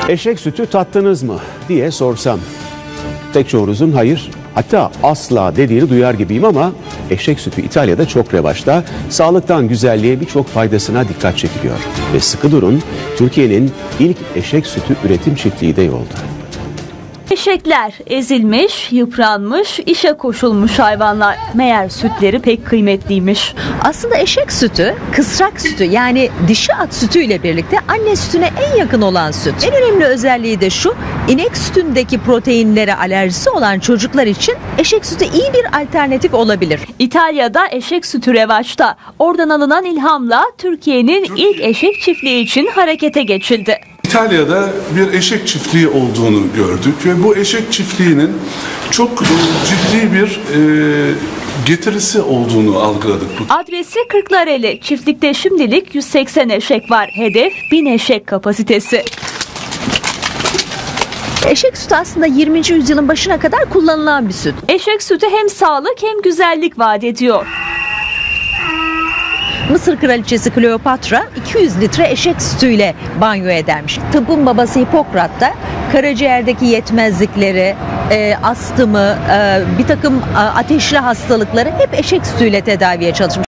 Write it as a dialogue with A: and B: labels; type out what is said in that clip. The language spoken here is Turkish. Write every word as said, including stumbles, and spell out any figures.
A: Eşek sütü tattınız mı diye sorsam pek çoğunuzun hayır, hatta asla dediğini duyar gibiyim ama eşek sütü İtalya'da çok revaçta. Sağlıktan güzelliğe birçok faydasına dikkat çekiliyor. Ve sıkı durun, Türkiye'nin ilk eşek sütü üretim çiftliği de yolda.
B: Eşekler ezilmiş, yıpranmış, işe koşulmuş hayvanlar. Meğer sütleri pek kıymetliymiş.
C: Aslında eşek sütü kısrak sütü, yani dişi at sütüyle birlikte anne sütüne en yakın olan süt. En önemli özelliği de şu: inek sütündeki proteinlere alerjisi olan çocuklar için eşek sütü iyi bir alternatif olabilir.
B: İtalya'da eşek sütü revaçta. Oradan alınan ilhamla Türkiye'nin ilk eşek çiftliği için harekete geçildi.
D: İtalya'da bir eşek çiftliği olduğunu gördük ve bu eşek çiftliğinin çok ciddi bir e, getirisi olduğunu algıladık.
B: Adresi Kırklareli. Çiftlikte şimdilik yüz seksen eşek var. Hedef bin eşek kapasitesi.
C: Eşek sütü aslında yirminci yüzyılın başına kadar kullanılan bir süt.
B: Eşek sütü hem sağlık hem güzellik vaat ediyor.
C: Mısır kraliçesi Kleopatra iki yüz litre eşek sütüyle banyo edermiş. Tıbbın babası Hipokrat da karaciğerdeki yetmezlikleri, e, astımı, e, bir takım e, ateşli hastalıkları hep eşek sütüyle tedaviye çalışmış.